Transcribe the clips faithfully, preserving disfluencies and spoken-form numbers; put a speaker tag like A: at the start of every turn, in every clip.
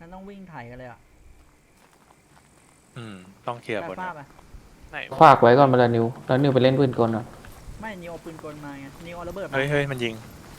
A: นต้องวิ่งไถ่กันเลยอ่ะ
B: อืมต้องเคลียร์บน
A: ป้าไป
C: ไหน
D: ฝากไว้ก่อนมาแล้วนิวแล้วนิวไปเล่นปืนกลอ่ะ
A: ไม่นิวเอาปืนกลมาไงนิวเอาระเบิดมา
B: เฮ้ยเฮ้ยมันยิง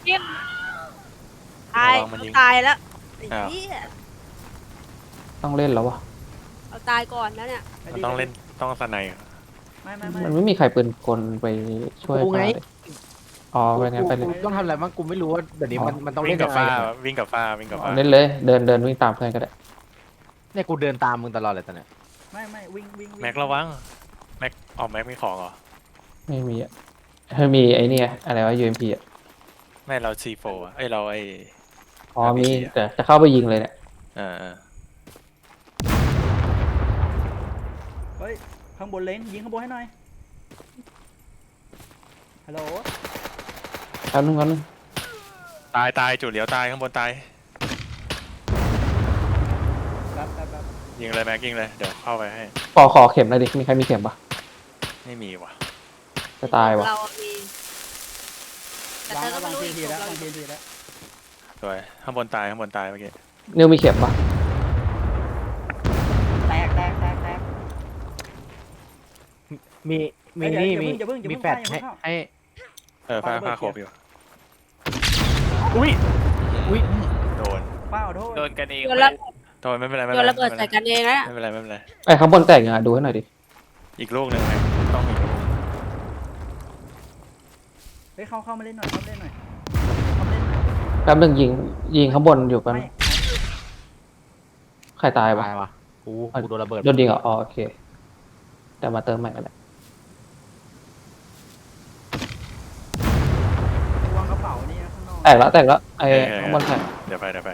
C: ตาย
B: ระวังมันยิง
C: ตายแล้วไอ้
B: อ้าว
C: เหี้ย
D: ต้องเล่นแล้ววะ
C: เอาตายก่อนแล้วเนี่ย
B: มันต้องเล่นต้องสไนด์
A: ไม่ไม่ไม่
D: มันไม่มีใครปืนกลไปช่วย
E: กูไง
D: ฟ้าเลยอ๋อไปงั้นไป
E: กู
D: เลย
E: กูต้องทำอะไรบ้างกูไม่รู้ว่าเดี๋ยวนี้มันมันต้อง
B: วิ่
E: เล่
B: ง
E: น
B: กับ
E: ยังไง
B: ฟ้า
E: อะ
B: วิ่งกับฟ้าวิ่งกับฟ้า
D: เล่นเลยเดินเดินวิ่งตามเพื่อนก็ได้
E: เนี่ยกูเดินตามมึงตลอดเลยตอนเนี้ย
A: ไม่ไม่วิ่งวิ่งวิ่ง
B: แม็กระวังแม็กออกแม็กมีของเหรอ
D: ไม่มีอ่ะเฮ้ยมีไอ้นี่ไงอะไรวะ ยู เอ็ม พี อ่ะ
B: ไม่เรา ซี โฟร์ อะเอ้ยเราไอ้
D: อ๋อ
B: อาร์
D: มี
B: พี จี อะ
D: แต่จะเข้าไปยิงเลยเนี่ย
B: เออเออ
A: เฮ้ยข้างบนเล้งยิงข้างบนให้หน่อยฮัลโหล
D: แป๊บนึงแป๊บนึง
B: ตายตายจุดเหลียวตายข้างบนตาย
A: ครับครับครับ
B: ยิงเลยแม็กยิงเลยเดี๋ยวเข้าไปให้
D: ขอขอเข็มหน่อยดิมีใครมีเข็มปะ
B: ไม่มีว่ะ
D: จะตายวะ
C: เรามีแต่
A: วาง
C: เธอก็
A: วาง
C: ไม่รู้
A: ที
C: อีก
A: ที
C: ข
A: แล้
C: อ
A: ว
C: งเรา
A: วางทีทีแล้ว
B: สวยข้างบนตายข้างบนตายเมื่อกี้
D: นิวมีเข็มปะ
A: แตกแตกแตกแตก
E: มีมี
A: เฮ้ย
E: นี่
A: เดี๋ยว
E: มี
A: อย่าเพิ่งอย่าเพิ่ง
E: มีแฟด
A: อย่าเพิ่
E: ให้
A: งเข้า
E: ให้
B: เออฟ้า
A: ปาระเบิด
B: ฟ้าครบอยู่
E: อุ้ย อุ้ย
B: โดน
A: ป้าขอโทษ
C: โดนกันเอง
B: โดนไม่เป็นไรไม่
C: โด
B: เป็น
C: น
B: ไร
C: ระเบิดใส่กันเองนะ
B: ไม่เป็นไรไม่เป็นไร
D: ไอ้ข้างบนแตกยังไงดูให้หน่อยดิ
B: อีกลูกหนึ่งไหมต้องมีลูก
A: เฮ้ยเข้าเข้ามาเล่นหน่อยเข้ามาเล่นหน่อยเข้ามาเล่นหน่อย
D: แป๊บนึงยิงยิงข้างบนอยู่แป๊บ
A: ไม่
D: นึงใครตายวะ
E: ตายวะกูกูโดนระเบิด
D: โดนยิงเหรออ๋อโอเคแต่มาเติมใหม่ก็ได้
A: วางกระเป๋านี่นะข้างนอก
D: แตกแล้วแตกแล้วไอ้ข้างบนแตก
B: เดี๋ยวไปเดี๋ยวไป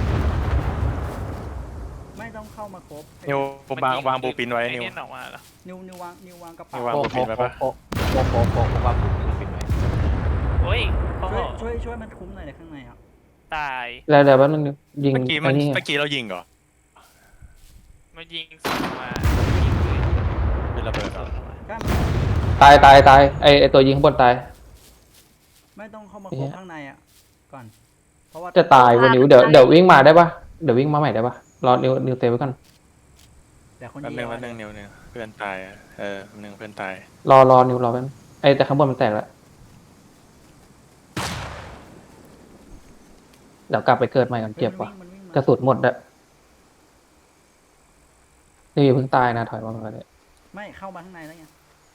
A: ไม่ต้องเข้ามาครบ
B: นิววางวางบูปินไว้นิว
C: ไอ้เยออกมาเหรอ
A: นิวนิววางนิววางกระเป๋า
B: นิววาง
E: โป๊ะ
B: บูปินไว้ปะ
E: โป๊ะโป๊ะโป๊ะโป๊ะโป๊ะว่ากูปิดไว้
C: โอ้ยโอ้โห
A: ช่วยช่วยช่วยมันคุ้มหน่อยในข้างในอ่ะ
C: ตาย
D: แล้วเดี๋ยวแป๊บนึงยิง
B: เมื่อกี้มั
D: ไอ้
B: น
D: นี่
B: เมื่อกี้เรายิงเหรอ
C: มายิงสองมายิงปืน
B: เป็นระเบิดเหรอ
A: กล้า
D: ตายตายตายไอ้ไอ้ตัวยิงข้างบนตาย
A: ไม่ต้องเข้ามาครบข้างในอ่ะก่อนเพราะว่า
D: จะตายวันนิ้วเดี๋ยวเดี๋ยววิ่งมาได้ปะเดี๋ยววิ่งมาใหม่ได้ปะรอนิวนิวเซฟไว้ก่อน
A: แต่คน
B: แป๊บ
A: เดี
B: นึ
A: ย
B: ง
A: ว
B: แป๊บนึงนิวนิวเพื่อนตายอะเออแป๊บนึงเพื่อนตาย
D: รอรอนิวรอแป๊บนึงไอ้แต่ข้างบนมันแตกแล้วเดี๋ยวกลับไปเกิดใหม่ก่อนเจ็บว่ะ
A: มันวิ่ง
D: กระสุนหมดอะนี่เพิ่งตายนะถอยมาก่อนเลย
A: ไม่เข้ามาข้างในแล้วไง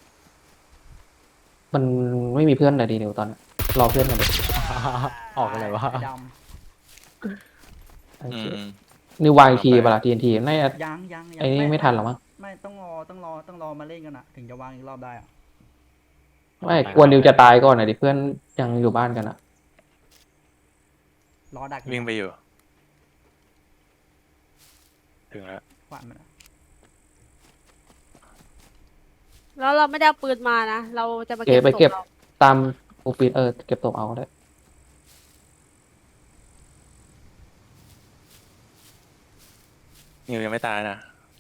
D: มันไม่มีเพื่อนเลยดีนิวตอนนี้รอเพื่อนกันเลย
E: ออกอะไรวะ
A: ไอ้ด
D: โอ
B: อื
D: เค
B: ม
D: นิววางทีเปล่าทีเอ็นทีน่าจะ
A: ำยังยังยัง
D: ไอ้นี่ไม่ทันหรอมั้ง
A: ไม่ต้องรอต้องรอต้องรอมาเล่นกันอ่ะ ถึงจะวางอีกรอบได้อ่ะ
D: ไม่กลัวนิวจะตายก่อนนะดิเพื่อนยังอยู่บ้านกันอะ
A: รอดัก
B: วิ่งไปอยู่ ถึงแล้ว
A: ขวานมันอะ
C: แล้วเราไม่ได้เอาปืนมานะ เราจะมา
D: เก็
C: เก็
D: บบ ไปเก็บ
C: ศพรา
D: ตามปูปีนเออเก็บตกเอาก็ได้
B: นิวยังไม่ตายนะ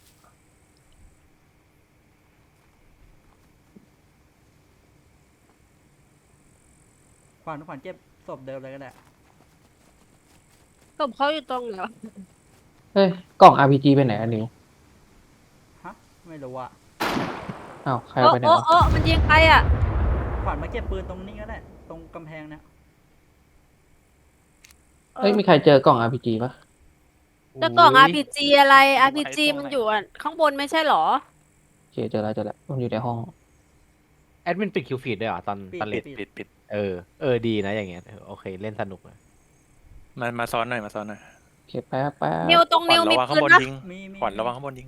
A: ขวานขวานเจ็บศพเดิมเลยก็ได้
C: ศพเขาอยู่ตรงไหนวะ
D: เฮ้ยกล่อง อาร์ พี จี ไปไหนอะนิว
A: ฮะไม่รู้อ่ะ
D: อ้าวใคร
C: โอ้
D: เอาไปไหน
C: โอ้
D: วะ
C: โอ้มันยิงใครอ่ะ
A: ขวานมาเก็บปืนตรงนี้ก็ได้ตรงกำแพงเนี่ย
D: เฮ้ยมีใครเจอกล่อง อาร์ พี จี ปะ
C: แต่กล่อง อาร์ พี จี อะไร อาร์ พี จี มันอยู่อ่ะข้างบนไม่ใช่เหรอ
D: โอเคเจอแล้วเจอแล้วมันอยู่ในห้อง
E: แอดมินปิดคิวฟีดด้วยเหรอตอน
A: ปิด
E: ตอนเล่
B: ปิ
E: น
B: ดปิดปิด
E: เออเออดีนะอย่างเงี้ยเออโอเคเล่นสนุกเลย
B: มามาซ้อนหน่อยมาซ้อนหน่อย
D: โอเคแป๊บแป๊บ
C: นิวตรง
B: ขวั
C: นิ
B: ญ
C: ว
B: ระ
C: มี
B: วังข้า
C: ปื
B: งบ
C: น
B: น
C: นะ
B: ยิง
A: มีมี
B: ขวัญระวังข้างบนยิง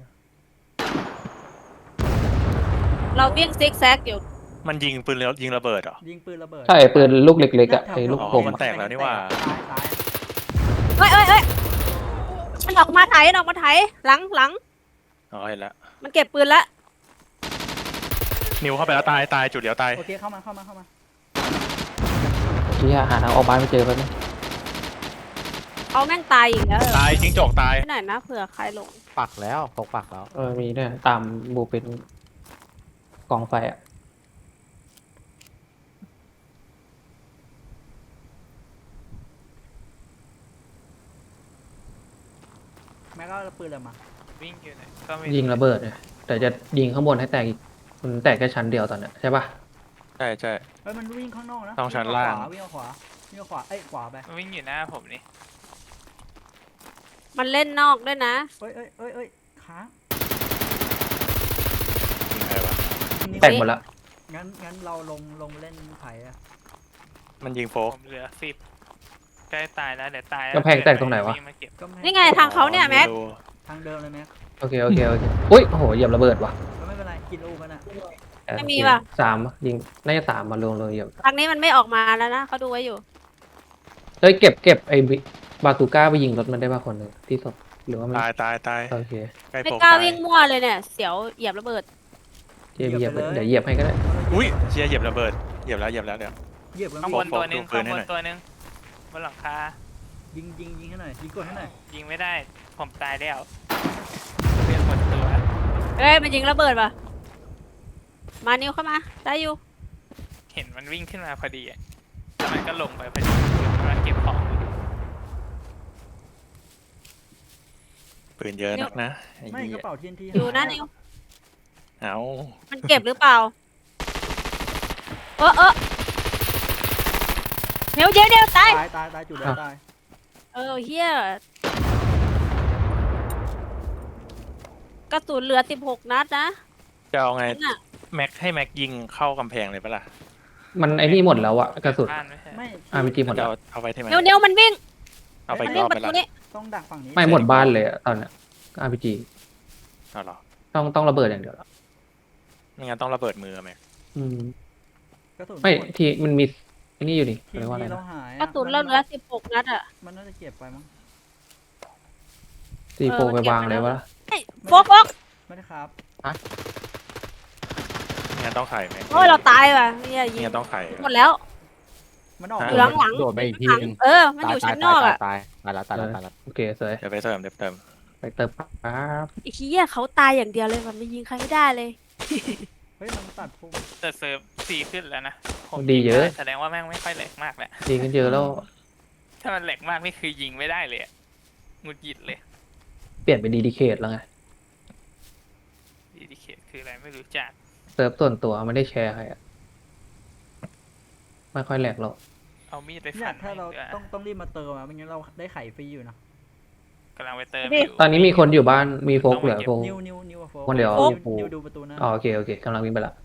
C: เราวิ่งซิกแซกอยู่
B: มันยิงปืนแล้วยิงระเบิดเหรอ
A: ยิงปืนระเบิด
D: ใช่ปืนลูกเล็กๆอะไอ้ลูก
B: อ๋อ
D: กลม
B: มัน
D: อะ
B: แตกแล้วนี่หว่า
A: ซ้ายซ้าย
C: เอ้ยเอ้ยเอ้ยมันออกมาไถมันออกมาไถหลังหลัง
B: อ๋อเห็นแล้ว
C: มันเก็บปืนละ
B: นิวเข้าไปแล้วตายตายจุดเดียวตาย
A: โอเคเข้ามาเข้ามาเข้ามา
D: เฮียหาทางออกบ้านไม่เจอแป๊บนึง
C: เอาแม่งตายอีกแล้ว
B: ตายจิ้งจกตาย
C: ไปไหนนะเผื่อใครหลง
E: ปักแล้วตกปักแล้ว
D: เออมีด้วยตามบูเป็นกองไฟอะ
A: แมม็กก็ปืนอะไรมา
B: วิ่งอยู่ไหนก็ไม่
D: ยิงระเบิดเนี่ยแต่จะยิงข้างบนให้แตกอีกมันแตกแค่ชั้นเดียวตอนเนี้ยใช่ปะ
B: ใช่ใช่
A: เฮ้ยมันวิ่งข้างนอกนะ
B: ต้องชั้นล่าง
A: วิ่งขวาวิ่งขวาเอ้ยขวาไป
B: วิ่งอยู่หน้าผมนี่
C: มันเล่นนอกด้วยนะ
A: เอ้ยเอ้ยเอ้ยเอ้ยค้าง
B: ยิงใครวะ
A: นี่
D: แตกหมดละ
A: งั้นงั้นเราลงลงเล่นไผ่อะ
B: มันยิงโฟกเหลือสิบใกล้ตายแล้วเดี๋ยวตาย
D: กำแพงแตกตรงไหนวะ
B: มาเก็บ
A: ก็ม่
C: นี่ไงทางเขาเนี่ยแม็ก
B: ดู
A: ทางเดิมเลยแม็ก
D: โอเคโอเคโอเคอุ้ยโอ้โหเหยียบระเบิดว่ะ
A: ก็ไม่เป็นไรกินลูกกันอะ
C: ไม่มีว่ะ
D: สามยิงน่าจะสามมาลงเลยเหยียบ
C: ทางนี้มันไม่ออกมาแล้วนะเขาดูไว้อยู่
D: เฮ้ยเก็บเก็บไอ้บิบาซูก้าไปยิงรถมันได้ป่ะคนหนึ่งที่ศพหรือว่ามัน
B: ตายตายตาย
D: โอเค
B: ใกล้
C: ไม่
B: โฟก
C: กล้า
B: ตาย
C: วิ่งมั่วเลยเนี่ย เสียวเหยียบระเบิด
D: เหยียบเหยียบเดี๋ยวเหยียบให้ก็ได้
B: อุ้ยเชียร์เหยียบระเบิดเหยียบแล้วเหยียบแล้วเดี๋ยว
A: เหยียบกัน
B: ข้าง
A: พี่
B: บนตัวหนึง
F: ข้างบน
B: ดูปืนให้หน่อย
F: ตัวหนึงบนหลังคา
A: ยิงยิงยิงให้หน่อยยิงกดให้หน่อย
F: ยิงไม่ได้ ผมตายแล้วเรียกหมดตัว
C: เอ้ยมันยิงระเบิดป่ะ มานิวเข้ามา ได้อยู่
F: เห็นมันวิ่งขึ้นมาพอดีอะแล้วมันก็ลงไปพอดีกำลังเก็บของ
B: ปืนเยอะนักนะไอ้
A: ไม่
B: เหี้
A: ก
B: ย
A: ระเป๋าทีนที
C: อยู่นะนิว
B: เอา
C: มันเก็บหรือเปล่า เออเออเดี๋ยวเดี๋ยวเดี๋ยวตาย
A: ตายตายตายจุดเดียวตาย
C: เออเฮียกระสุนเหลือสิบหกนัดนะ
B: จะเอาไง
C: น่ะ
B: แม็กให้แม็กยิงเข้ากำแพงเลยปะล่ะ
D: มันไอ้นี่หมดแล้วอะกระสุน
F: บ้านไม่ใช่
A: ไม่
D: อาร์พีจีหมด
B: จะ
D: แล้ว
B: เอาเอาไปที่ไหน
C: เดี๋ยวเดี๋ยวมันวิ่ง
B: เอาไป
C: มัน
B: อีกร
C: วิ่ง
B: อบ
C: ป
B: ไประ
C: ตู
B: ล่ะ
C: นี้
A: ต้องดักฝั่งนี้
D: ไม่หมดบ้านเลยอะตอนเนี้ยอาร์พีจี
B: เอาเหรอ
D: ต้องต้องระเบิดอย่างเดียวละ
B: ไม่งั้นต้องระเบิดมือแม็ก
D: อืม
A: กระสุน
D: ไม่
A: หด
D: ที่มันมีไอ้นี่อยู่นี่
A: ทีน
D: เรียกว่าอะไร
A: ทีเรา
D: นะ
A: หาย
C: กระสุนเราเหลือสิบหกนัดอะ
A: มันน่าจะเก็บไปมั้ง
D: ซีโฟ
C: เออ
D: ไป
C: มันเก็บ
D: วาง
C: ไว้
D: เลย
C: แล้ว
D: วะ
C: เฮ้ยโฟกโฟก
A: ไม่ได้ครับ
B: ไม่งั้นต้องไข่แม็ก
C: โอ้ยเราตายว่ะเฮียยิ
B: ไม่
C: ง
B: งั้นต้องไข่
C: หมดแล้ว
A: มันออก
B: ฮะ
C: อยู่หลังหลัง
E: โดดไปอีกทีนึง
C: เออ มันอยู่ชั้นนอกอะ
E: ตายตายตายตายแล้วตายแล้วตายแล้ว
D: โอเคสวย
B: เดี๋ยวไปเติมเดี๋ยวเติม
D: ไปเติมปั๊บ
C: ไอ้เฮียเขาตายอย่างเดียวเลยมันไม่ยิงใครไม่ได้เลย
A: เฮ้ยมันตัดพุ่ง
F: แต่เซิร์ฟซีขึ้นแล้วนะผม
D: ดีเยอะ
F: แสดงว่าแม่งไม่ค่อยแหลกมากแหละ
D: ดีกันเยอะแล้ว
F: ถ้ามันแหลกมากนี่คือยิงไม่ได้เลยอะหงุดหงิดเลย
D: เปลี่ยนเป็นดีดีเคทแล้วไง
F: ดีดีเคคืออะไรไม่รู้จัก
D: เซิร์ฟส่วนตัวไม่ได้แชร์ใครอะไม่ค่อยแหลกหรอก
F: เอามีดไป
A: เนี่
F: ฟั
A: ย
F: น
A: ถ้าเรา
F: ไม่หลือ
A: ต้องต้องรีบมาเติมอะไม่งั้นเราได้ไข่ฟรีอยู่นะ
F: กำลังไปเติม
C: นี่
F: อยู่
D: ตอนนี้มีคนอยู่บ้านมีโฟกเหลือโฟก
A: นิวนิวนิวอะโฟ
D: คนเดียว
A: นินิวดูประตูหน้า
D: อ๋อโอเคโอเคกำลังวิ่งไปละ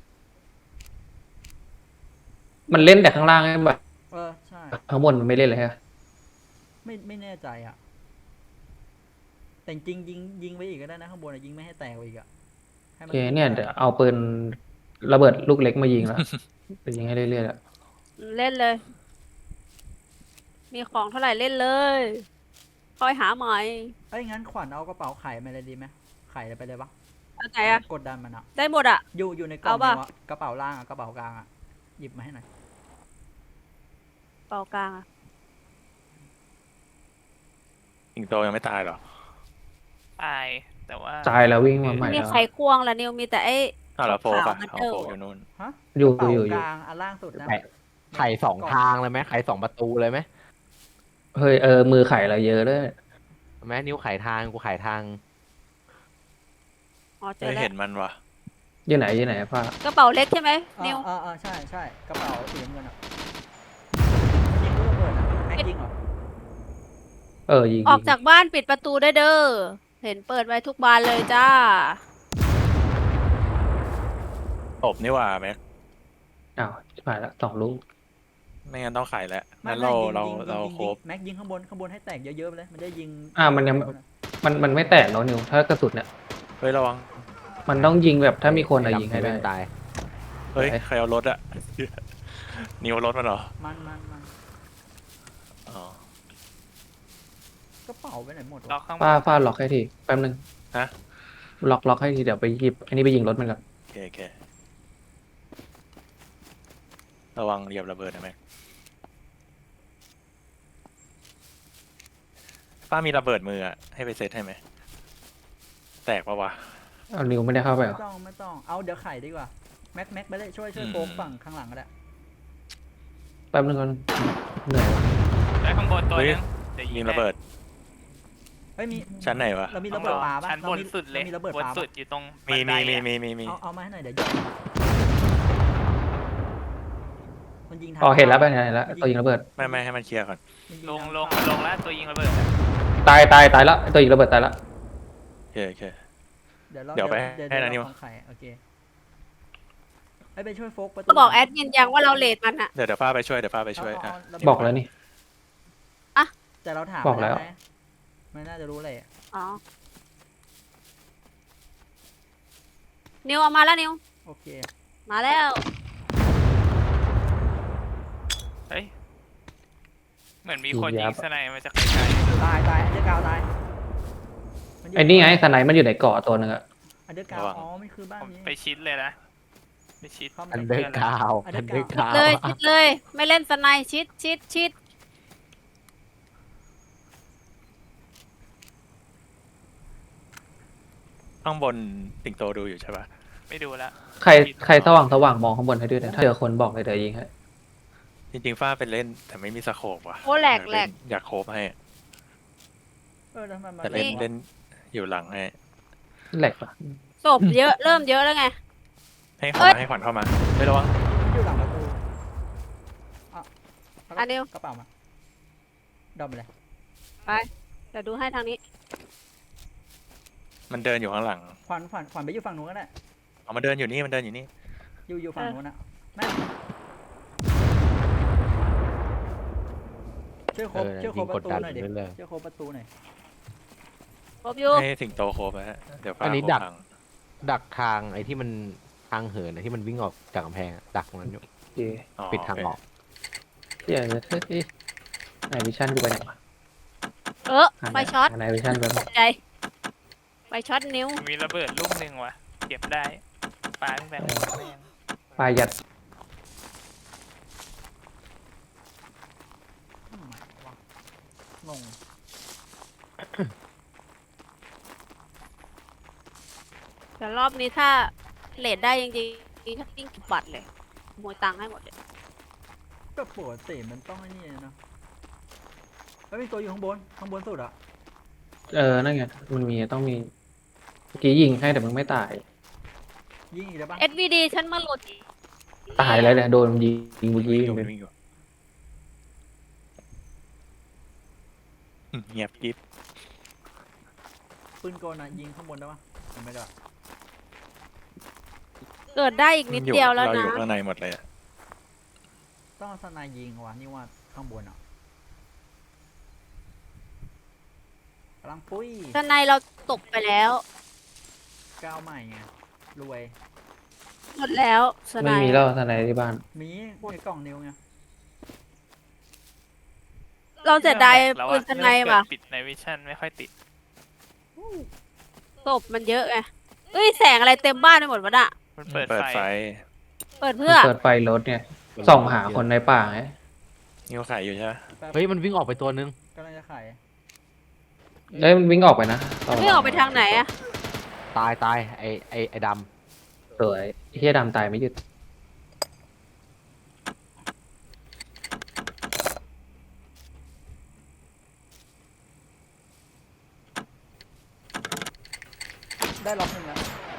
D: มันเล่นแต่ข้างล่างไงแบบ
A: เออใช่
D: ข้างบนมันไม่เล่นเลยฮะ
A: ไม่ไม่แน่ใจอ่ะ แต่จริงยิงยิงไปอีกก็ได้นะข้างบนอะยิงไม่ให้แตกไปอีกอ่ะให้
D: โอ
A: มั
D: เคเนี่ยเดี๋ยวเอาปืนระเบิดลูกเล็กมายิงแล้ว ไปยิงให้เรื่อยๆอะ
C: เล่นเลย มีของเท่าไหร่เล่นเลยคอยหาใหม่
A: เอ้ยงั้นขวัญเอากระเป๋าไข่มาเลยดีไหมไข่ไปเลยปะ
C: เอาไหนอะ
A: กดดันมันอ่ะ
C: ได้หมดอะ
A: อยู่อยู่ในกล่อง
C: เอาปะ
A: นิวอะกระเป๋าล่างอะกระเป๋ากลางอะหยิบมาให้หน่อย
C: เป่ากลางอะ
B: สิงโตยังไม่ตายเหรอ
F: ตาย แต่ว่า
D: ตายแล้ววิ่งมาใหม่
C: มี
D: แล้ว
C: ไข่ควงละนิวมีแต่ไอ้
B: อ้าวแล้วโฟก
C: ขา
B: อะ
C: วๆมัน
B: เอา
C: เดิม
B: โฟกอยู่นู่น
A: ฮะ
D: อยู่
A: กระเป๋า
D: อยู่อยู่
A: กลางอันล่างสุดนะ
E: ไข่ไข่สองทางเลยไหมไข่สองประตูเลยไหม
D: เฮ้ยเออมือไข่เราเยอะด้วย
E: แม้นิ้วไข่ทางกูไข่ทาง
C: อ๋อเจ
B: ไม่
C: อแล้
B: เห็
C: วน
B: มันวะ
D: ยี่ไหนยี่ไหนป้าก
C: ระเป๋าเล็กใช่ไหม
A: อ่า
C: นิว
A: อ่าอ่าใช่ใช่กระเป๋าสีน้ำเงินอ่ะยิงลูกระเบิดอ่ะแม็กยิงเหรอ
D: เออยิง
C: ออก
D: ยิง
C: จากบ้านปิดประตูได้เด้อเห็นเปิดไว้ทุกบานเลยจ้า
B: ตบนี่หว่าแม็ก
D: อ้าวผ่านละสองลูก
B: ไม่งั้นต้องไข่แล้ว
A: ไม่
B: งั้น
A: ไม่
B: เรา
A: ยิง
B: เรา
A: ยิง
B: เรา
A: ยิง
B: โครบ
A: ยิงแม็กยิงข้างบนข้างบนให้แตกเยอะๆไปเลยมันได้ยิง
D: อ่ามันยังมันมันไม่แตกแล้วนิวถ้ากระสุนเนี่ย
B: เฮ้ยระวัง
D: มันต้องยิงแบบถ้ามีคนอะยิงให้ได้
E: ตาย
B: เฮ้ย
D: ไหน
B: ใครเอารถอะ นิวรถมันเหรอ
A: มันมันมัน
B: อ๋อก
A: ระเป๋าไปไหนหมด
F: ล็อ
A: วะ
F: กข้างบ
D: ป้าน ฟาดล็อกให้ทีแป๊บนึง
B: ฮะ
D: ล็อกล็อกให้ทีเดี๋ยวไปหยิบอันนี้ไปยิงรถมันก่อน
B: โอเคโอเคระวังเหยียบระเบิดนะแม็กป้ามีระเบิดมืออะให้ไปเซตให้ไหมแตกปะวะ
D: เอานิวไม่ได้เข้าไปเหร
A: ไม่
D: อ
A: ต้องไม่ต้องเอาเดี๋ยวไข่ดีกว่าแม็กแม็กไปเลยช่วยช่วย
B: อืม
A: โฟกฝั่งข้างหลังก็ได้
D: แป๊บนึงก่อนเหนื่อยวะ
F: ได้ข้างบนตัวหนึงเดี๋ยว
B: ยิ
F: ยิ
B: ง
F: ง
B: ระเบิด
A: เฮ้ยมี
B: ชั้นไหนวะ
A: เรามี
F: ต้
A: ระ
F: อง
A: เบิ
F: ร
A: ด
F: อ
A: ปลาปะ
F: ชั้นบน
A: เรามี
F: สุดเลย
A: เรามีระเบิด
F: บน
A: ปลา
F: สุ
A: ปะ
F: ดอยู่ตรง
B: มี
F: บันได
B: มีมี
F: อะ
B: มีมีมี
A: เอาเอามาให้หน่อยเดี๋ยวยิงมันยิงทาง
D: อ๋อเห็นแล้วไปเห็นแล้วตัวยิงระเบิด
B: ไม่ไม่ให้มันเคลียร์ก่อน
A: มันยิ
F: ลง
A: ทา
F: ลง
A: เข้า
F: ลงแล้วตัวยิงระเบิดอะ
D: ตายตายตายแล้วตัวยิงระเบิดตายแล้ว
B: โอเคโอเค
A: เดี๋ยวเรา
B: เดี๋ยวไป
A: เดี๋ยว
B: ให้
A: เดี๋ยว
B: นะนิว
A: เราของไข่โอเคให้ไปช่วยโฟกประตู
C: ก็บอกแอดมินยังว่าเราเลทมันอะ
B: เดี๋ยวเดี๋ยวฟ้าไปช่วยเดี๋ยวฟ้าไปช่วย
A: เอา
B: อ่ะ
A: เอาเอา
D: บอกแล้วนี่
A: แต่เราถาม
D: บอกแล้ว
A: ไปนะไม่น่าจะรู้เลย
C: อ๋อนิวเอามาแล้วนิว
A: โอเค
C: มาแล้ว
F: เฮ้ยเหมือนมีคน
D: ยิง
F: ยิ
D: ยั
F: ง
D: บ
F: สไนด์มาจากไกล
A: ตายตายอันเดอร์กราวตายมัยู่
D: ไอ้นี่ไงสไนป์มันอยู่ในเกาะตัวหนึงอะ
A: อันเดอร์กราวอ๋อมันคือบ้าน
F: ๆผม
A: นี้
F: ไปชิดเลยนะไปชิด
A: เข้ามา
E: อัน
A: ใน
E: เดอ
A: บ้าน
E: ร์กราวอันเดอร์กราว
C: เลยชิดเลย ไม่เล่นสไนด์ชิดชิดชิด
B: ข้างบนสิงโตดูอยู่ใช่ปะ
F: ไม่ดูแล้ว
D: ใครใครสว่างสว่างมองข้างบนให้ด้วยนะถ้าเจอคนบอกเลยเดี๋ยวยิงให้
B: จริงๆฟ้าเป็นเล่นแต่ไม่มีสโคปว่ะ
C: โอ้แหลก
B: อยา
C: แหล
B: เน
C: ก
B: อยากโคบให้
A: เออแล้วมันมา
B: แต่เล่น
C: นี่
B: เล่นอยู่หลังให้
D: แหลกปะ
C: ศพเยอะเริ่มเยอะแล้วไง
B: ให้ข
C: เอ้
B: วัญ
C: ย
B: ให้ขวัญเข้ามาไม่ระวัง
A: มันอยู่หลังประตูอ่ะเา
C: อันเดียว
A: กระเป๋ามาดอมไปเลย
C: เดี๋ยวดูให้ทางนี้
B: มันเดินอยู่ข้างหลัง
A: ขวัญขวัญขวัญไปอยู่ฝั่งนู้นก็ได้
B: เอามาเดินอยู่นี่มันเดินอยู่นี่
A: อยู่อยู่ฝั่ง
C: เออ
A: นู้นนะแม่ช่วยโคบ
E: เออ
A: ช่วยโค
E: ยิ
A: บ
E: ง
A: ป
E: กด
A: ระตู
E: ดัน
A: หน่อยดิ
E: เรื่อย
A: ช่วยโคบประตูหน่อย
C: ครบอยู่
B: ให้สิงโตโคบนะฮะเดี๋ยวฟ้า
E: อันนี้
B: โคบ
E: ดัก
B: หลัง
E: ๆดักทางไอ้ที่มันทางเหินอะที่มันวิ่งออกจากกำแพงอะดักตรงนั้นอยู่
D: โอเค
B: อ๋อ
E: ปิดทางออก
D: เฮียเฮ้ยไหนวิชั่นกูไปไหนวะ
C: เออไฟช็อต
D: ไหนวิชั่นไป
C: ตกใจไฟช็อตนิ้ว
F: มีระเบิดลูกหนึ่งว่ะเก็บได้ปาตั้งแต่หัวแม่ง
D: ปลายยัด
A: ทำไมวะงง
C: แต่รอบนี้ถ้าเลทได้จริงๆถ้าปิ้งบัตรเลยขโมยตังค์ให้หมดเลย
A: ก็ปกติมันต้องไอ้นี่เนาะแล้วมีตัวอยู่ข้างบนข้างบนสุดอะ
D: เออนั่นไงมันมีต้องมีเมื่อกี้ยิงให้แต่มึงไม่ตาย
A: ยิงอีกแล้วปะ
C: เอสวีดีฉันมาหลุด
D: ตายแล้วเนี่ยโดนยิงยิงเมื่อกี้
B: วิ่งอยู่
D: เลย
B: วิ่งอยู่อืมเงียบกิ๊บ
A: ปืนกลอะยิงข้างบนได้ปะยังไม่ได้ปะ
C: เกิดได้อีกนิดเดียวแล้ว
B: เราอ
C: นะ
B: ยู่ข้างในหมดเลยอะ
A: ต้องเอาสนายยิงวะนี่ว่าข้างบนอะกำลังปุ้ย
C: ด้านในเราตกไปแล้ว
A: ก้าวใหม่ไงรวย
C: หมดแล้วสไน
D: ไม่มี
C: ด์
D: แล้วทนายที่บ้าน
A: มีในกล่องนิ้วไง
C: เราเสียดาย
F: แล้ว
C: ปื
F: อะ
C: นสไนด์ว่ะ
F: เริ่มเกิดปิดในวิชั่นไม่ค่อยติด
C: ศพมันเยอะไงเอ้ยแสงอะไรเต็มบ้านไปหมดวะน่ะ
F: มันเปิด
B: เปิด
F: ไฟ
B: ไฟ
C: เปิดเพื่อ
D: เปิดไฟรถเนี่ยส่องหาคนในป่าไง
B: นิ้วขายอยู่ใช่ไหม
A: แป๊บ
E: เฮ้ยมันวิ่งออกไปตัวนึง
A: กำลังจะขาย
D: เอ้ยมันวิ่งออกไปนะ
C: ไม่ออกไปทางไหนอะ
E: ตายตายไอ้ไอ้ไอ้ด
D: สวยไอ้เฮียดำตายไม่หยุด
A: ได้ล็อกหนึ่งแล้ว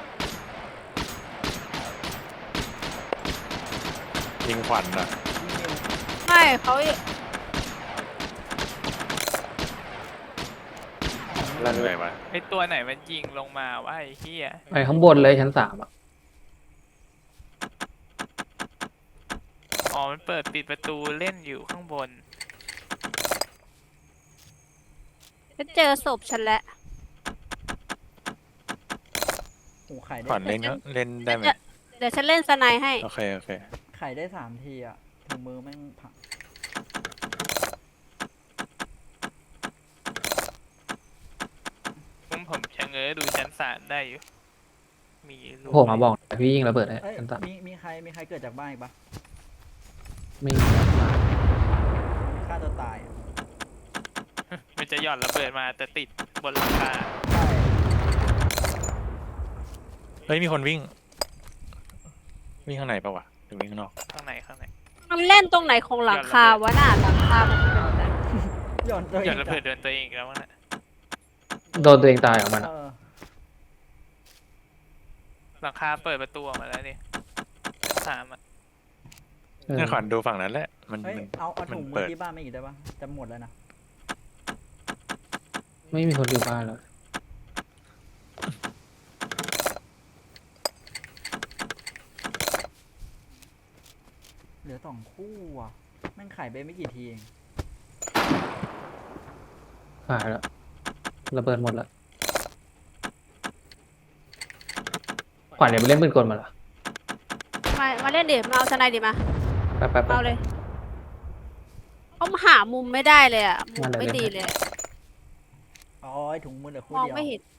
B: ยิงขวัญอ่ะ
A: ยิงนิ้ว
C: ไม่เขา
B: ลั่นเลยวะ
F: ไอตัวไหนมันยิงลงมาวะไอ้เหี้ย
D: ไปข้างบนเลยชั้นสามอ่ะ
F: อ๋อมันเปิดปิดประตูเล่นอยู่ข้างบน
C: ฉันเจอศพฉันแล้ว
A: โอ้ขายได้
B: ขวัญเล่นก็เล่นได้ไหม
C: เดี๋ยวฉันเล่นสไนด์ให้
B: โอเคโอเค
A: ขายได้สามทีอะถุงมือแม่งผัก
F: ผมผมชะเง้อดูชั้นสามได้อยู่ มีรูป
D: โผล่มาบอกพี่ยิงระเบิดให้
A: เอ้ย
D: ชั้นสาม
A: มีมีใครมีใครเกิดจากบ้านอีกปะ
D: ไม่มี
A: ฆ่าตัวตายอะ
F: มันจะหย่อนระเบิดมาแต่ติดบนหลังคา
A: ใช่
B: เฮ้ยมีคนวิ่ง วิ่งข้างในปะวะหรือวิ่งข้างนอก
F: ข้างในข้างใน
C: มันเล่นตรงไหนของหลังคาวะน่ะหลังคามันเป็นแบบนั้น
A: หย่อนตัวเอ
F: หย่อน
A: ง
F: ระเบิดโดนตัวเองอีกแล้วนะ
D: โดนตัวเองตายของมัน
A: เอ
D: อะ
A: อ
F: หลังคาเปิดประตูออกมาแล้วนี่สามอ่ะ
D: เออ
B: งั้นขวัญดูฝั่งนั้นแหละ มัน
A: เฮ้ย
B: มัน
A: เอาเอา
B: มัน
A: ถุงมื
B: เปิ
A: อ
B: ด
A: ที่บ้านไม่อีกได้ปะจะหมดแล้วนะ
D: ไม่มีคนอยู่บ้านแล้ว
A: เหลือสองคู่อ่ะแม่งขายไปไม่กี่ทีเอง
D: หายแล้วระเบิดหมดแล้วขวัญเดี๋ยวไปเล่นปืนกลมาเหรอ
C: มามาเล่นดิมาเอาทนายดิมา
D: แป๊บแป๊บแป๊
C: เอา
D: บ
C: เลยเขาหามุมไม่ได้เลยอ่ะมุม
D: มาเดี๋ยว
C: ไม่
D: เล่น
C: ดี
D: ให้
C: เลยอะ
A: อ๋อไอ้ถุงมือเหลือคู่
C: มอง
A: เดียว
C: ไม่เห็น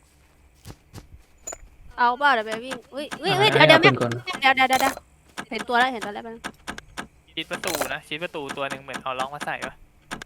C: เอาเปล่าเดี๋ยวไปวิ่งอุ้ยอุ้ยอุ้ย
D: อ่า
C: เดี๋ยวเดี๋ยว
D: ให้
C: แม่
D: เอาปืนกล
C: เดี๋ยวเดี๋ยวเดี๋ยวเดี๋ยวเห็นตัวแล้วเห็นตัวแล้วแป๊บนึง
F: ชิดประตูนะชิดประตูตัวหนึ่งเหมือนเอาล็อกมาใส่ปะ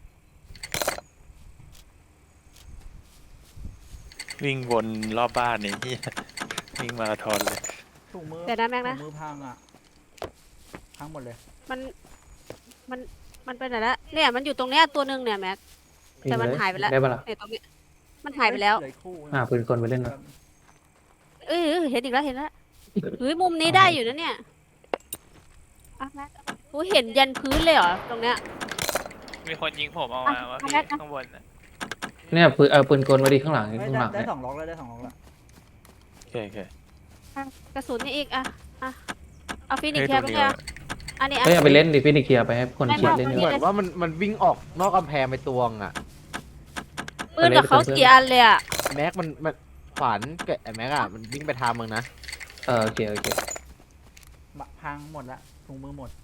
B: วิ่งวนรอบบ้านนี่ เหี้ยวิ่งมาราธอนเลย
A: ถุงมือ
C: เดี๋ยวนะแม็ก
A: ถุ
C: นะ
A: งมือพังอ่ะพังหมดเลย
C: มันมันมันไปไหนแล้วเนี่ยมันอยู่ตรงเนี้ยตัวหนึ่งเนี่ยแม็ก แต่มันหายไปแล้ว
D: ได้ปะล่ะ
C: เนี่ยตรงเนี้ยมันหายไปแล้ว
A: เหลืออกคู่
D: อ่าปืนกลไปเล่น
A: แบ
D: นะ
A: บ
C: เอ้ยเอ้ยเห็นอีกแล้วเห็นแล้วเฮ้ยมุมนี้ได้อยู่นะเนี่ยอ่ะแม็กกูเห็นยันพื้นเลยเหรอตรงเนี้ย
F: มีคนยิงผมเอามา
C: อ่ะ
F: ว่า
C: เอา
F: พี่
C: แม็กนะ
F: ข้างบนน่ะ
D: เนี่ยปืนเอาปืนกลมาดีข้างหลัง
A: เฮ้ย
D: ข้าง
A: ได้
D: หลัง
A: ได้
D: เนี่ย
A: สองล็อกแล้วได้สองล็อกแล้ว
B: โอเคโอเค
C: กระสุนนี่อีกอ่ะอ่ะเอาฟินิก
B: เฮ้ย
C: แค
B: ตั
C: ร์
B: ว
C: ไป
B: นี้
C: เลยอันนี้อ่ะ
D: เฮ้ยเอาไปเล่นดิฟินิกเคลียร์ไปให้คน
C: ไม่
D: เคลียร์
C: ไม่
D: เล่น
C: ไม่
D: ดีก
E: เหมื
D: ว่า
E: อนว่ามันมันวิ่งออกนอกกำแพงไปตวงอ่ะ
C: ปืนกับเขา
D: ไปเลย
C: สี่อันเลยอ่ะ
E: แม็กมันมันขวานกับไอ้แม็กอะมันวิ่งไปทางมึงนะ
D: เออโอเคโอเค
A: บะพังหมดละถุงมือหมด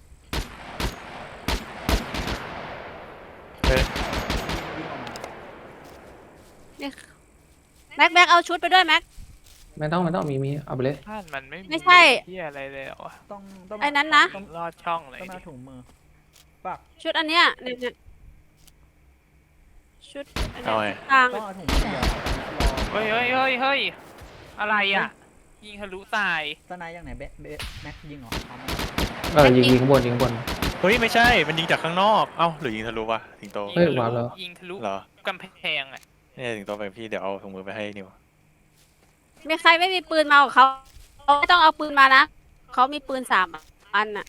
B: เฮ้ย
A: วิ่งออกมา
C: เนี่ยแม็กแม็กเอาชุดไปด้วยแม็ก
D: ไม่ต้องไม่ต้องมีมีเอาไปเลย
F: บ้านมันไม่
C: ไม่ใช่
F: ที่อะไรเลยเหรอวะ
A: ต้องต้อง
C: ไอ้นั้นนะ
A: ต้อง
F: ลอดช่องเลย
A: ต้อง
F: ดิ
A: มาถุงมือปัก
C: ชุดอันเนี้ยเนี่ยเนี่ยชุดอัน
B: เอา
C: เนี้
B: ไง
C: ยทาง
A: ต้องเอาถุงมือเดียวรอ
F: เฮ้ยเฮ้ยเฮ้ยเฮ้ยอะไรอ่ะ ยิงทะลุตาย
A: สไนด์ยังไหนเบะเบะแม็กยิงเหรอเอามา
D: เออยิงยิงข้างบนยิงข้างบน
B: เฮ้ยไม่ใช่ มันยิงจากข้างนอก เอ้าหรือยิงทะลุวะสิงโต
D: เฮ้ย
F: งทะลุ
D: ว้าวแล้ว
F: ยิงทะลุ
B: เหรอ
F: กำแพงอ่ะ
B: เนี่ยสิงโตไปพี่เดี๋ยวเอาถุงมือไปให้นิว
C: มีใครไม่มีปืนมากับเขาเขาไม่ต้องเอาปืนมานะเขามีปืนสามอันน่ะ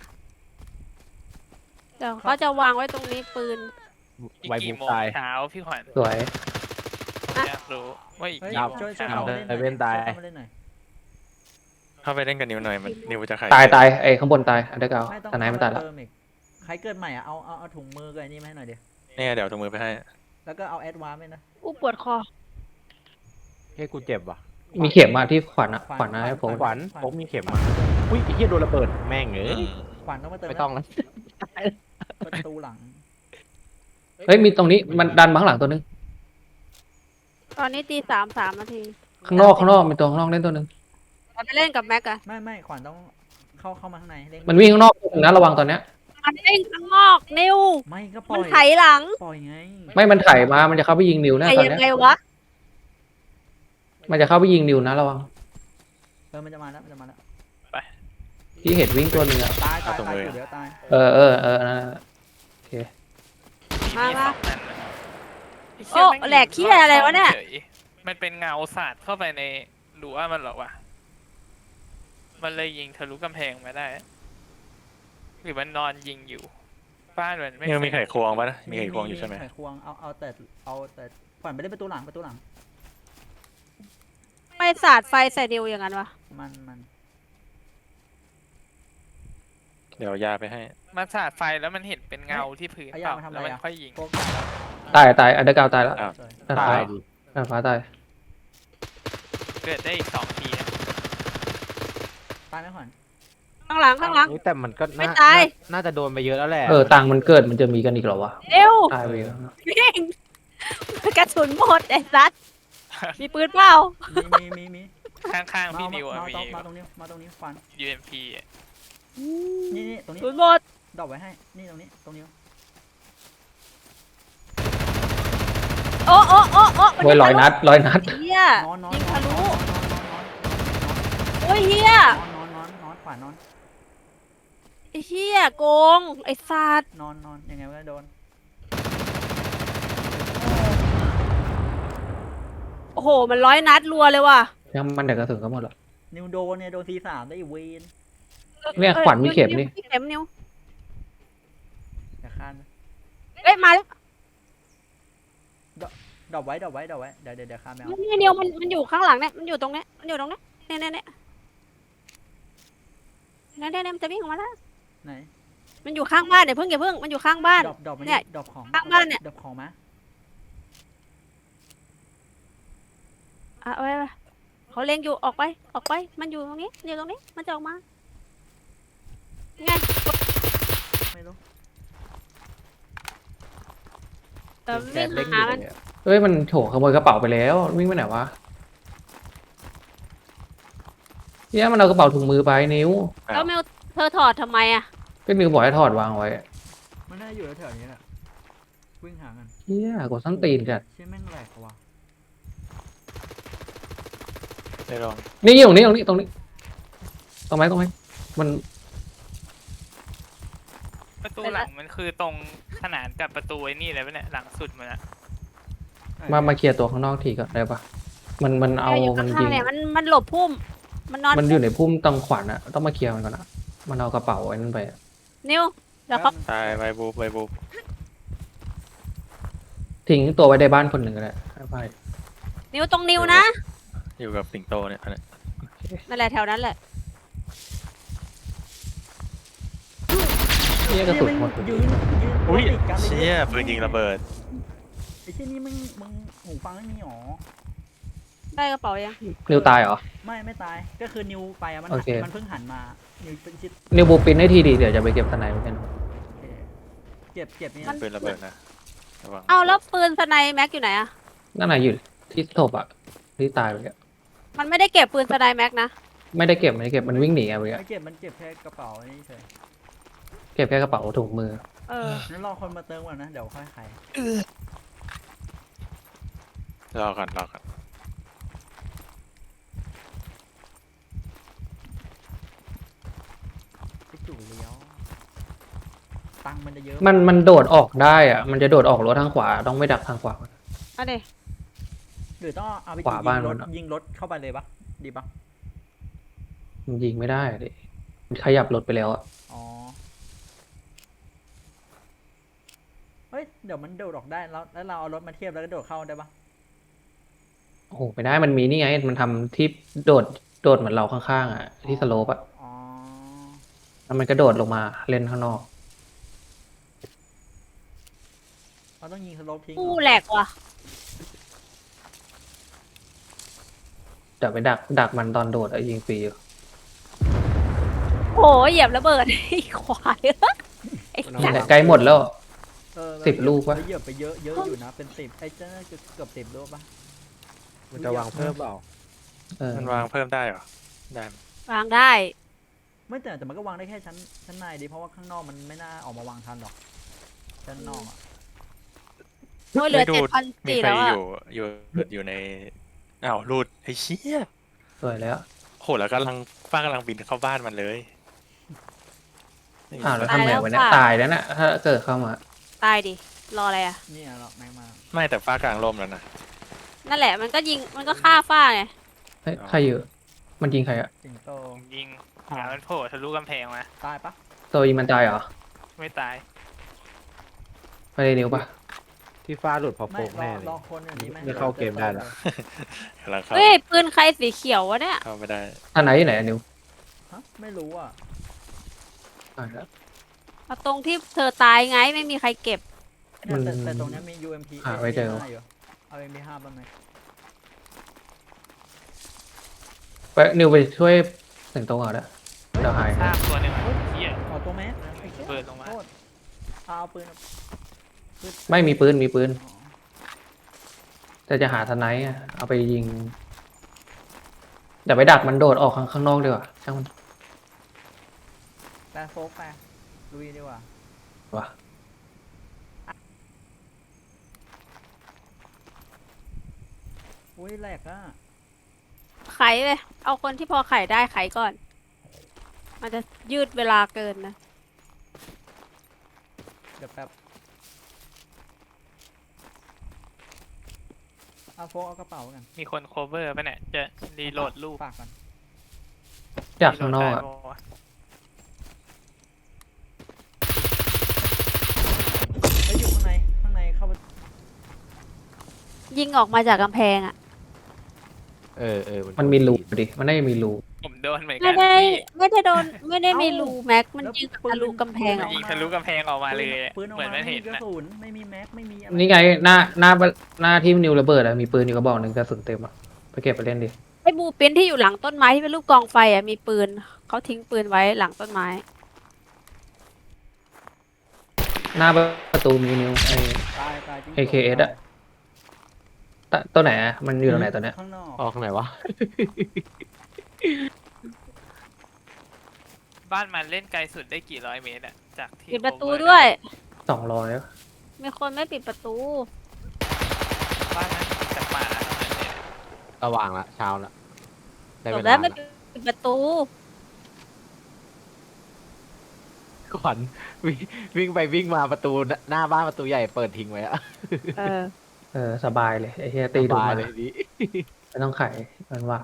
C: เดี๋ยวเขาจะวางไว้ตรงนี้ปืน
F: อีก
E: ไวบุ
F: กี่
E: ก
F: โมง
E: ตาย
F: เช้าพี่ขวัญ
D: สวย
F: อยากรู้ว่าอีก
A: เฮ้ย
F: กี่
E: ยับ
F: โมง
A: ช่วยช่วย
F: เช้า
A: เข้ามาเล่นหน่อย
E: ไอ้เว้นตาย
A: ช่วเข้ามาเล่นหน่อย
B: เข้าไปเล่นกับนิวหน่อย มันนิวจะขาย
D: ตายตายไอ้ข้างบนตายอันเดอร์เกา
A: ไม่ต้อง
D: ตอนไหนมันตายแล้ว
A: เติมอีกใครเกิดใหม่อ่ะเอาเอาเอาถุงมือกับไอ้นี่มาให้หน่อยเดียว
B: เนี่ยเดี๋ยวเอาถุงมือไปให้
A: แล้วก็เอาแอดวานซ์ไปนะ
C: อู้ปวดคอ
E: เฮ้ยกูเจ็บว่ะ
D: มีเข็มมาที่ขวัญอะขวัญนะให้ผม
E: ขวัญผมมีเข็มมาอุ้ยไอ้เหี้ยโดนระเบิดแม่งเอ้
B: อื
E: ย
B: ม
A: ขวัญต้องมาเติม
E: ไม่ต้องแล้ว
A: ประตูหลัง
D: เฮ้ยมีตรงนี้มันดันมาข้างหลังตัวนึง
C: ตอนนี้ตีสามสามนาที
D: ข้างนอกข้างนอกมีตัวข้างนอกเล่นตัวนึง
C: เราไปเล่นกับแม็กอะ
A: ไม่ไม่ขวัญต้องเข้าเข้ามาข้างในเล่น
D: มันวิ่งข้างนอกตัวนึงนะระวังตอนเนี้ย
C: มันเล่นข้างนอกนิว
A: ไม่ก็ปล่
C: มั
A: อน ย
C: ไถหลัง
A: ปล่อยไง
D: ไม่มันไถมามันจะเข้าไปยิงนิวนะ
C: ไถ
D: ตอน
C: ยัง
D: เนี้ย
C: ไงวะ
D: มันจะเข้าไปยิงนิวนะระวัง
A: เออมันจะมาแล้วมันจะมาแล้ว
D: ที่เห็นวิ่งตัวนึงอะ
A: ตายตายตายอยู่เดี๋ยวตาย
D: เออเออเออนั่นน่ะโอเค
C: มามา
F: สองอันน่ะไเย
C: โอ้
F: ม่ง
C: แหลกเหี้ยอะไรวะเนี่ย
F: ฉมันเป็นเงาสาดเข้าไปในรั้วมันเหรอวะ มันเลยยิงทะลุกำแพงมาได้ หรือมันนอนยิงอยู่ บ้านมันไม่
B: นิวมี
F: เส
B: ไข
F: ร็จ
B: ควงปะนะมีไขควงอยู่ใช่ไหม
A: ไขควงเอาเอาแต่เอาแต่ขวัญไปเล่นประตูหลังประตูหลัง
C: ไม่สาดไฟใส่นิวอย่างนั้นวะ
A: มันมัน
B: เดี๋ยวยาไปให้
F: มันสาดไฟแล้วมันเห็นเป็นเงาที่พื้น
A: เอา
F: เป
A: ยา
F: ล่า
A: มาทำอะ
F: แล้ว
A: ไร
F: มัน
A: อ่ะ
F: ค่อยยิง
A: โกก
D: ตายตายอันเดอร์เกาตายแล้ว
B: อ้าว
A: สวย
D: ด้าน
E: ตา
D: ฟ้าย
E: ดิ
D: ด้านฟ้าตาย
F: เกิดได้อีกสองทีนะ
A: ตายไหมขวัญ
C: ข้างหลังข้างหลัง
E: เฮ้ยแต่มันก็
C: ไม่
E: น่า
C: ตาย
E: น่าน่าจะโดนไปเยอะแล้วแหละ
D: เออตังค์มันเกิดมันจะมีกันอีกเหรอวะ
C: เร็ว
D: ตายไปแล้ว
C: วิ่งกระสุนหมดไอ้สัสมีปืนเปล่า
A: มีมีมีมี
F: ข้างๆ
A: มา
F: พี่
A: มา
F: นิวอะ
A: มา
F: มี
A: ตรงมาตรงนี้มาตรงนี้ขวัญ
F: ยูเอ็มพี
A: นี่นี่ตรงนี้
C: ปืนหมด
A: ดอกไว้ให้นี่ตรงนี้ตรงนี้
C: โอ้โอ้โอ้โอ้มัน
D: โวยร้อยนัดร้อยนัด
C: เฮีย
A: นอนนอน
C: ยิง
A: นอ
C: ทะ
A: นน
C: ลุ
A: อน
C: โอ้ยเฮีย
A: นอนนอนนอนขวานอน
C: ไอ้เฮียโกงไอ้สัส
A: นอนนอนยังไงก็โดน
C: โอ้โห มันร้อยนัดรัวเลยว่ะ
D: ยังมันแต่กระสุนก็หมดหรอก
A: นิวโดนเนี่ยโดนทีสามได้อีเวน
D: เนี่ยขวัญมีเข็มนี่
C: มีเข็มนิ้ว
A: อย่าคานนะ
C: เอ้ยมาแล้ว
A: ดรอปไว้ดรอปไว้ดรอปไว้เดี๋ยวเดี๋ยวเดี๋ยวคานไม่เอา
C: นี่เดียวมันมันอยู่ข้างหลังเนี่ย มันอยู่ตรงเนี้ย มันอยู่ตรงเนี้ยเนี่ยเนี่ยเนี่ยเนี่ยเนี่ยเนี่ยมันจะวิ่งออกมาแล้ว
A: ไหน
C: มันอยู่ข้างบ้านเดี๋ยวเพิ่งอย่าเพิ่ง มันอยู่ข้างบ้าน
A: ดรอปดรอปมา
C: เนี่
A: นี่
C: ย
A: ดรอปของ
C: ข้างบ้านเนี่ย
A: ดรอปของมา
C: อ่ะเอาไว้ไว้เขาเล็งอยู่ออกไป ออกไป มันอยู่ตรงนี้อยู่ตรงนี้ มันจะออกมาไง
A: ไม่รู้
C: เออ
D: แก
C: วิ่ง
D: เด้งอ
C: หา
D: ยู่
C: มัน
D: เลยอะเฮ้ยมันโถขโมยกระเป๋าไปแล้ววิ่งไปไหนวะเนี่ยมันเอากระเป๋าถุงมือไปนิ้ว
C: แล้วเมลเธอถอดทำไมอ่ะ
D: ก็นิ้วบอกให้ถอดวางไว้
A: มันน่าอยู่แถวๆนี้แหละวิ่งหากัน
D: เฮียกดส้นตีนจัด
A: เชี่ยแม่งแหลกว่ะ
B: ได้ลอง
D: นี่ตรงนี้ตรงนี้ตรงนี้ตรงไหมตรงไหมมัน
F: ประตูหลังมันคือตรงขนานกับประตูไอ้นี่เลยปะเนี่ยหลังสุดมันอะ
D: มามาเคลียร์ตัวข้างนอกทีก่อนได้ปะมันมันเอา
C: อยู่
D: มัน
C: ข้า
D: ยิ
C: ง
D: ง
C: ๆเนี่ยมันมันหลบพุ่ม มันนอน
D: มันอยู่ในพุ่มตังขวัญอะต้องมาเคลียร์มันก่อนอะมันเอากระเป๋าไว้นั่นไปอะ
C: นิ้วเดี๋ยวเขา
B: ตายใบบูบใบบูบ
D: ทิ้งตัวไว้ในบ้านคนหนึ่งก็ได้ไป
C: นิ้วตรงนิ้วนะ
B: อยู่กับสิงโตเนี่ยอันเนี้ย
C: นั่นแหละแถวนั้นแหละ
D: เฮียกระสุนหมด
A: ยืนยืน
B: อุ้ย
A: ติดกันล
B: เชี่ยปืนยิงระเบิด
A: ไอ้เชี่ยนี่มึงมึงหูฟังไม่มีหรอ
C: ได้กระเป๋ายัง
D: นิวตายเหรอ
A: ไม่ไม่ตายก็คือนิวไปอะมัน
D: โอเค
A: มันเพิ่งหันมานิวเป็นชิด
D: นิวบูปินให้ทีดีเดี๋ยวจะไปเก็บสไนเปอร์กัน
A: โอเคเก็บเก็บนี่
B: ปืนระเบิดนะระวัง
C: เอาแล้วปืนสไนแม็กอยู่ไหนอะ
D: นั่นน่ะอยู่ที่ศพอะที่ตายไปอะ
C: มันไม่ได้เก็บปืนสไนแม็กนะ
D: ไม่ได้เก็บไม่ได้เก็บมันวิ่งหนีอะไปอะ
A: ไม่เก็บมันเก็บแค่กระเป๋านี่เฉย
D: เก็บแค่กระเป๋าถุงมือ
C: เออ
A: งั้นรอคนมาเติมก่อนนะเดี๋ยวค่อยขาย
B: รอก่อนรอก่อน
A: ไปจู่เลี้ยวตังค์มันจะเยอะ
D: มันมันโดดออกได้อะมันจะโดดออกรถทางขวาต้องไม่ดักทางขวา
C: เอาดิ
A: หรือต้องเอาไป
D: ขวา
A: ยิ
D: บ้าง น
A: ร
D: มั
A: ถ
D: นอะ
A: ยิงรถเข้าไปเลยปะดีปะ
D: มันยิงไม่ได้อะดิมันขยับรถไปแล้วอะ
A: อ๋อเฮ้ยเดี๋ยวมันโดดออกได้แล้วแล้วเราเอารถมาเทียบแล้วก็โดดเข้าได้ปะ
D: โอ้โหไม่ได้มันมีนี่ไง มันทำที่โดดโดดเหมือนเราข้างๆอะที่สโลปอะ
A: อ๋อ
D: แล้วมันกระโดดลงมาเล่นข้างนอก
A: เราต้องยิงสโลปทิ้ง
C: ผู้
A: เหรอ
C: แหลกว่ะ
D: เดี๋ยวไปดักดักมันตอนโดดอะยิงฟรีอยู่
C: โหเหยียบระเบิด ไอ้ควายไอ้
E: มัน
C: สั
E: เอา
C: ต
D: แต่
C: ว์
D: ใกล้หมดแล้ว
A: เออ
D: สิบลูกวะ
A: เหยียบไปเยอะเยอะอยู่นะเป็นสิบไอ้เจ้าน่าจะเกือบสิบลูกปะ
E: มันจะวางเพิ่มเปล่า
D: เออ
B: มันวางเพิ่มได้เหรอได้ไหม
C: วางได้
A: ไม่แต่แต่มันก็วางได้แค่ชั้นชั้นในดิเพราะว่าข้างนอกมันไม่น่าออกมาวางทันหรอกชั้นนอกอะ
C: โอ้ยเหลือ
B: ไม่ดู
C: เจ็ดพัน
B: มี
C: สี่
B: ใคร
C: แล้ว
B: อ
C: อะ
B: ยู่อยู่อยู่ในอ้าวรูดไอ้เชี่ย
D: สวยแล้ว
B: โหแล้วกำลังฟ้ากำลังบินเข้าบ้านมันเลยไม่มี
D: อ้าวแล้ว
B: ไฟ
D: ทำไงวะเนี่ยตายแล้วน่ะถ้าเกิดเข้ามา
C: ตายดิ รออะไรอะ
A: นี่หรอกแม็กมา
B: ไม่แต่ฟ้ากลางร่มแล้วนะ
C: นั่นแหละ มันก็ยิง มันก็ฆ่าฝ้าไง
D: เฮ้ยใครอยู่มันยิงใครอะ
A: สิงโต
F: ยิงหามันโผล่ทะลุกำแพงมา
A: ตายปะ
D: โซยิงมันตายเหรอ
F: ไม่ตาย
D: ไปเลยนิ้วปะ
E: ที่ฟ้าหลุดพอ
A: ไม่
E: โปก
A: รอ
E: แน่เลย
A: รอคนอย่างนี้ไหม
E: ไม่เข้าเกมได้แล้ว
B: กำลังเข้า
C: เฮ้ย ปืนใครสีเขียววะเนี่ย
B: เข้าไม่ได้
D: อันไหนอยู่ไหนอะนิ้ว
A: ฮะไม่รู้อ่ะ
D: ตายแล้ว
C: เอาตรงที่เธอตายไงไม่มีใครเก็บ
A: แต่
D: มัน
A: แต่แต่ตรงเนี้ยมี ยู เอ็ม พี
D: หาไว้เจอ
A: อยู่เอา เอ็ม พี ห้าบ้างไหม
D: ไปนิวไปช่วยสิงโตก่อนนะเดี๋ยวหาย
F: ทราบตัวหนึ่งอะเหี้ย
A: เอาตัวแม็กไอ้เหี้ย
F: เปิดลงมา
A: โทษเอาเอาปืน
D: ไม่มีปืนมีปืน
A: อ๋อ
D: แต่จะหาทนายอะเอาไปยิงเดี๋ยวไปดักมันโดดออกข้างข้างนอกดีกว่าช่างมัน
A: แปะโฟกไปลุยดีกว่า
D: วะ
A: อุ้ยแหลกอ่ะ
C: ไขเลย เอาคนที่พอไขได้ไขก่อน มันจะยืดเวลาเกินนะ
A: เดี๋ยวแป๊บเอาโฟกเอากระเป๋ากัน
F: มีคนโคเวอร์ป่ะเนี่ยจะรีโหลดรูป
A: ฝากก่อน
D: อยากข้างนอกอะ
F: รีโหลดได้ปะวะ
A: เฮ้ยอยู่ข้างในข้างในเข้าไป
C: ยิงออกมาจากกำแพงอ่ะ
E: เออเออ
D: มันมีรูดิมันน่าจะมีรู
F: ผมโดนเหมือนกั
C: ไม่
F: น
C: ได้
F: พี่
C: ไม่ได้โดนไม่ได้มีรูแม็กมันยิงทะลุกำแพงออก
F: ยิง
C: มา
F: ทะลุกำแพงออกมาเลยอะ
A: ปืนออก
F: เหมือน
A: มา
F: มัน
A: ไม่
F: เห็
A: มี
F: น
A: กระ
F: นะ
A: สุนไม่มีแม็กไม่มีอะไร
D: นี่ไงหน้าหน้าหน้าที่นิวระเบิดอะมีปืนอยู่กระบอกหนึ่งกระสุนเต็มอะไปเก็บไปเล่นดิ
C: ไอ้บูปินที่อยู่หลังต้นไม้ที่เป็นรูปกองไฟอ่ะมีปืนเขาทิ้งปืนไว้หลังต้นไม้
D: หน้าประตูมีนิวไอ
A: ตายตายจริง
D: เอ เค เอส อะ ตะตัวไหนอะมันอยู่ตรงไหนตอนเนี้ย
A: ข้างนอก
E: ออกไหนวะ
F: บ้านมันเล่นไกลสุดได้กี่ร้อยเมตรอะจากที่
C: ปิดประตู
F: cover
C: ด้วย
D: สองร้อย
C: มีคนไม่ปิดประตู
F: บ้านนั้นมีแต่ป่าเท่านั้นเลย
E: ระหว่างละเช้าละได้
C: จ
E: เว
C: บ
E: ลา
C: แล้วไม่
E: ละ
C: ปิดประตู
E: ขวัญวิ่งวิ่งไปวิ่งมาประตูหน้าบ้านประตูใหญ่เปิดทิ้งไว้อะ
C: เออ
D: เออสบายเลยไอ้เฮียตีดู
E: สบาย
D: มา
E: เลยดิ
D: ไม่ต้องไขมันหวาน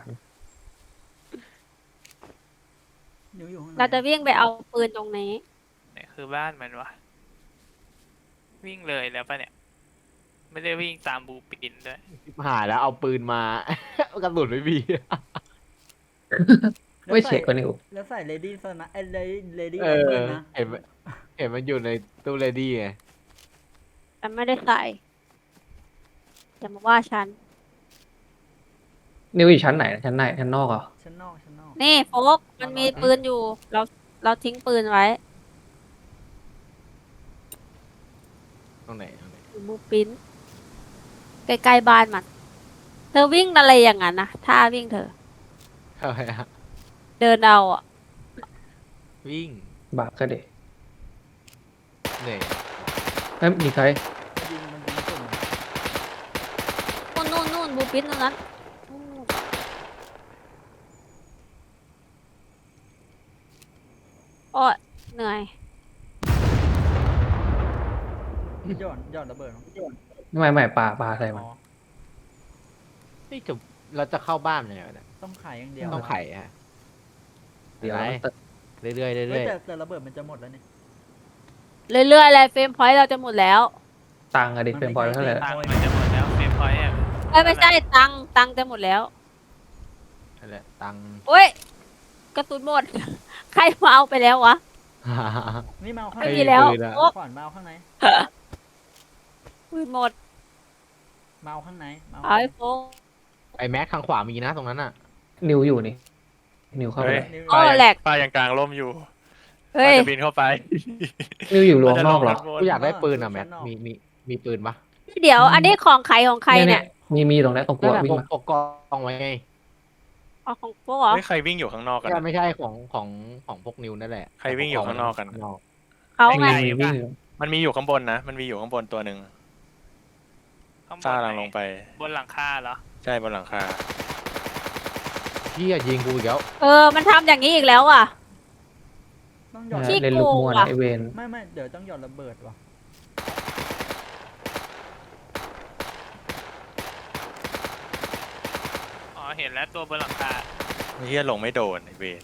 A: นิวอยู่ข้างใน
C: เราจะวิ่งไปเอาปืนตรงนี้
F: เนี่ยคือบ้านมันวะวิ่งเลยแล้วปะเนี่ย ไม่ได้วิ่งตามบูปินด้วย
E: หายแล้วเอาปืนมา กระสุนไม่มี
D: ไม่เช็คกันนิว
A: แล้วใส่เลดี้สนะไอ้เลดี้เลดี้
E: เอ
A: เบิ
E: อ
A: ร์นะ
E: เห็นมันเห็นมันอยู่ในตู้เลดี้ไง
C: แต่ไม่ได้ใส่อย่ามาว่าฉัน
D: นิวอยู่ชั้นไหนชั้นไหนชั้นนอกเหรอ
A: ชั้นนอกชั้นนอก
C: นี่โฟกมันมีปืนอยู่ เราเราทิ้งปืนไว้
E: ตรงไหนตรงไหน
C: อยู่บูปินใกล้ๆบ้านมัน เธอวิ่งอะไรอย่างนั้นนะท่าวิ่งเธอ
E: เท่าไหร่อะ
C: เดินเอาอ่ะ
E: วิ่ง
D: บาปก็เด็
E: เหนื่อย
D: เอ้ยมีใคร
A: ยิงมันยิงสุ่ม
C: นู่นนู่นนู่นบูปินตรงนั้นนู่นโอ้ยเหนื่อย
A: หย่อนหย่อนระเบิดมั้ง
D: ไม่ไม่ปลาปลาใส่มัน
A: อ๋อ
E: นี่จะเราจะเข้าบ้านเลยเหรอเนี่ย
A: ต้องขายอย่างเดียว
E: ต้องไขฮะ
D: เดี๋ยว
E: ไหน
D: มันเติม
E: เรื่อยๆ
A: เฮ้
E: เรื่
A: ย
E: อย
A: แต่แต่ระเบิดมันจะหมดแล้วเนี่ย
C: เรื่อยๆเลยเฟรมพอยต์เราจะหมดแล้ว
D: ตังค์อะดิเป็นพอยต์เท่าไหร่
F: ตังค์มันจะหมดแล้วเฟรมพอยต์อะ
C: เอ้ยไม่ใช่ตังค์ตังค์จะหมดแล้ว
E: ๆนั่นแหละตังค์
C: โอ้ยกระสุนหมด ใครมาเอาไปแล้ววะ
A: นี่มาเอาข้าง
C: ไม่
A: ใน
C: มีแล้ว
E: ปืนอะ
C: โอ้
A: ขวานมาเอาข้างใน
C: ปืนหมด
A: มาเอาข้างในมา
C: เอาไอ้โฟก
E: ไอแม็กทางขวามีนะตรงนั้นอ่ะ
D: นิวอยู่นี่ นิวเข้าไป
B: เฮ้ย
D: เลย
A: นิ้ว
C: โอ้แหลก
B: ป้ายังกลางร่มอยู่
C: เฮ้
B: ป้าย จะบินเข้าไป
D: นิวอยู่รวงนอกเหรอ
E: กูอยากได้ปืนอ่ะแม็กมีมีมีปืนปะ
C: เดี๋ยว อันนี้ของใครของใครเนี่ย
D: มีมีตรงนั้นตรงกลัววิ่ง
E: ปก
D: มา
E: ปกกองไว้ไง
C: เอาของโฟกเหรอ
B: เฮ้ยใครวิ่งอยู่ข้างนอกกัน
E: ใช่ไม่ใช่ของของของพวกนิวนั่นแหละ
B: ใครวิ่งอยู่ข้างนอกกัน
C: เขาไง
D: มีวิ่งอยู่
B: มันมีอยู่ข้างบนนะ มันมีอยู่ข้างบนตัวหนึ่ง
F: ข้างบ
B: ซ่าน กำลัง
F: ไหน
B: ลงไป
F: บนหลังคาเหรอ
B: ใช่บนหลังคา
E: พี่อะยิงกูอีกแล้ว
C: เออ มันทำอย่างนี้อีกแล้วอ่ะ
A: ต้องหย่อน
C: ขี้
D: เล่นลูกมัว
C: โกง
D: นะ
C: ว่ะ
D: ไอเวน
A: ไม่ไม่เดี๋ยวต้องหย่อนระเบิดว่ะ
F: อ๋อเห็นแล้วตัวบนหลังคา
B: ไอ้เฮียลงไม่โดนไอเวน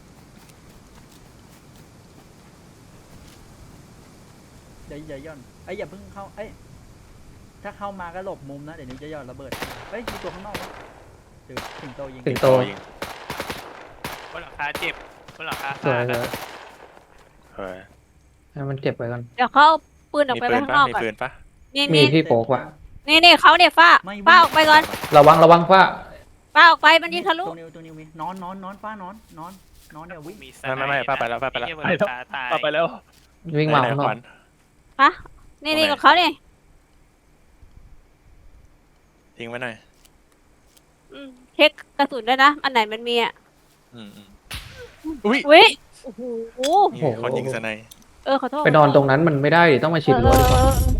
A: เดี๋ยวอย่าหย่อนไอ้ยอย่าเพิ่งเข้าเอ้ยถ้าเข้ามาก็หลบมุมนะเดี๋ยวนิ้วจะหย่อนระเบิดเฮ้ยมีตัวข้างนอกวะเดี๋ยวสิงโตยิง
D: สิงโต
B: ยิง
F: บนหลังคาเจ็บบนหลังคา
D: สวย
F: ขาด
D: เล
F: อะ
D: ย
B: เฮ้ย
D: ให้มันเจ็บไปก่อน
C: เดี๋ยวเขาเอาปืนออก
B: มี
C: ไป
B: ปื
C: ไว้
B: น
C: ข้าง
B: ปะ
C: นอก
B: มี
C: ก่อน
B: ปืนปะ
C: มี
D: มี
C: มี
D: ที่โป๊กว่ะ
C: นี่นี่เขาเนี่ยฟ้า
A: ไม่
C: ฟ้าออกไปก่อน
D: ระวังระวังฟ้า
C: ฟ้าออกไปมันยิงทะลุ
A: ตัวนิ้วตัวนิ้วมีนอนนอนนอนฟ้านอนนอนนอนเดี๋ยววิ่ง
F: มีส
B: ไม่ไม่ไม่ป้าไปแล้วป้าไปแล้ว
F: อ้เหี้ยบนหลังคาตาย
B: ป้าไปแล้ว
D: วิ่งมา
B: ไหน
D: ข้าง
B: ๆ
D: น
B: ข
D: อ
B: วั
D: ก
B: ญ
C: ฮะนี่นี่
B: ตรงไหน
C: กับเขาเนี่ย
B: ทิ้งไว้หน่อย
C: อืมเช็คกระสุนด้วยนะ อันไหนมันมีอ่ะ
B: อืมอืมอุ้ย
C: วิโอ้โห
B: นี่คนยิงสไนป์
C: เออขอโทษ
D: ไปนอนตรงนั้นมันไม่ได้ดิต้องมาชิดรั้วดีกว่า
C: เออเออเออ